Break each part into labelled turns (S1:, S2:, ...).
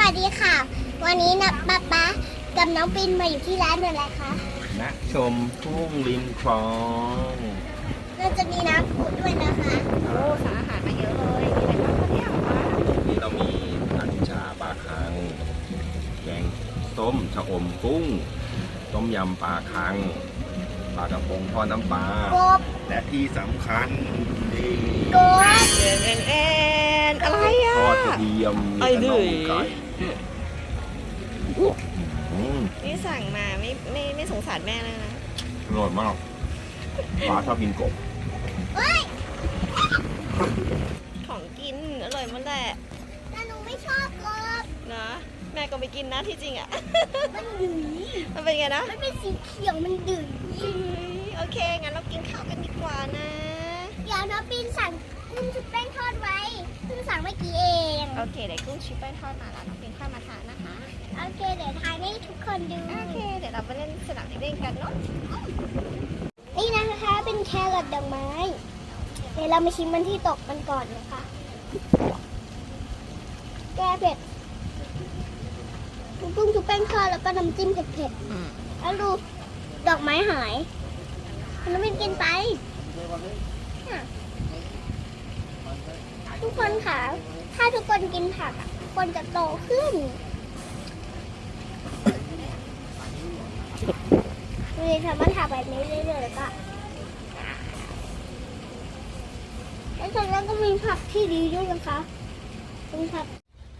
S1: วัสดีค่ะ วันนี้นะป๊ากับน้องปินมาอยู่ที่ร้านอะไรคะ
S2: ณชมทุ่งริมคลอง
S1: เราจะมีน้ำพุด้วยนะคะ
S3: โอ้สารอาหารมาเยอะเลยมีอะไรบ้างคะเนี่ยคะ
S2: นี่เรามีผัดชาปลาคังแกงส้มชะอมกุ้งต้มยำปลาคังปลากระพงทอดน้ำปลาก
S1: บ
S2: และที่สำคัญนี่
S1: กบ
S3: แอนอะไรอ่ะ
S2: ทอดกระเทียมมี
S3: ไอ้
S2: ขน
S3: ดื้
S2: ม
S3: อ
S2: ไก่อืม
S3: นี่สั่งมาไม่สงสารแม่เลยนะ
S2: อร่อยมากปลาชอบกินกบ
S1: เฮ้ย
S3: ของกินอร่อยหมันแหละ
S1: แต่หนูไม่ชอบกบ
S3: นะแม่ก็ไปกินนะที่จริงอ่ะ
S1: มันดื้อ
S3: มันเป็นไงนะ
S1: มันเป็นสีเขียวมันดื้อ
S3: โอเคงั้นเรากินข้าวกันดีกว่านะ
S1: เดี๋ยวน้องปินสั่งกุ้งชุบแป้งทอดไว้เพิ่งสั่งเมื่อกี้เอง
S3: โอเคเดี๋ยวกุ้งชิปแป้งทอดมาแล้วน้องเป็นข้าวมาทานนะคะ
S1: โอเคเดี๋ยวทายให้ทุกคนดู
S3: โอเคเดี๋ยวเราไปเล่นสนามเด็กเล่นกันเนาะ
S1: นี่นะคะเป็นแครอทดอกไม้ เดี๋ยวเรามาชิมมันที่ตกมันก่อนนะคะ แก้เผ็ดกุ้งชุบแป้งทอดแล้วก็น้ำจิ้มเผ็ดๆแล้วดูดอกไม้หายมันไม่กินไปน่ะทุกคนค่ะ ถ้าทุกคนกินผักอะคนจะโตขึ้นเลยทำมันทำแบบนี้เรื่อยๆแล้วก็แล้วส่วนนั้นก็มีผักที่ดีด้วยนะคะเป็นผัก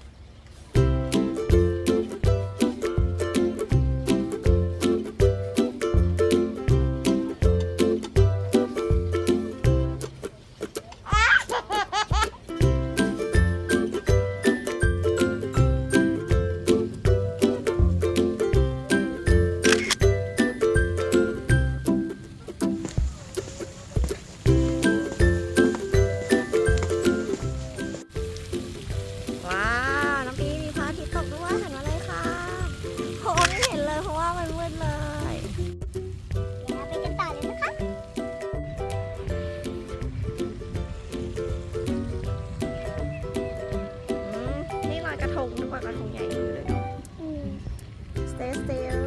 S3: ว้าวน้องปีมีพระอาทิตย์ตกด้วยเห็นมาเลยค่ะโหไม่เห็นเลยเพราะว่ามันมืดเลย
S1: เดี๋ยวเราไปกันต่อเลยนะคะ
S3: นี่ลอยกระทงทุกคนกระทงใหญ่อยู่เลยเนาะ Stay still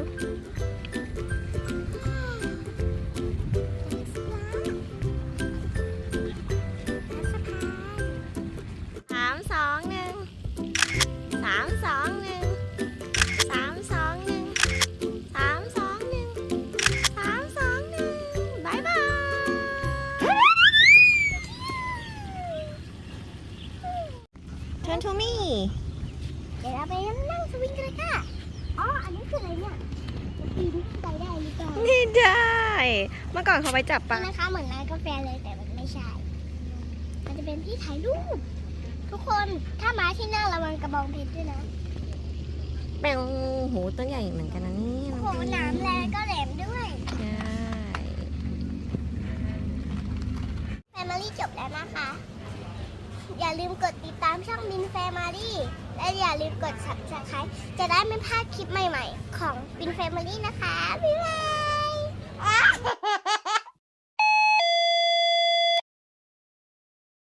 S3: 3 2 1 3 2 1 3 2 1 3 2 1 3 2 1บายบายTurn to me
S1: เดี๋ยวเราไปนั่งสวิงกันเลยค่ะ อ๋อ อันนี้คืออะไรเนี่ยจะปีนขึ้นไปได้หรือเปล่า
S3: ไม่ได้ เมื่อก่อนเขาไปจับปลา
S1: นี่นะคะเหมือนร้านกาแฟเลยแต่มันไม่ใช่ มันจะเป็นที่ถ่ายรูป ทุกคนถ้ามาที่นั่งระวังกระบองเพชรด้วยนะ
S3: แปลงหูตัวใหญ่เหมือนกันนะนี่
S1: โอ้โหหนามแรงก็แหลมด้วย
S3: ใช่
S1: แฟมิลี่จบแล้วนะคะ อย่าลืมกดติดตามช่องมินแฟมิลี่และอย่าลืมกด subscribe จะได้ไม่พลาดคลิปใหม่ๆ ของมินแฟมิลี่นะคะ บ๊ายบาย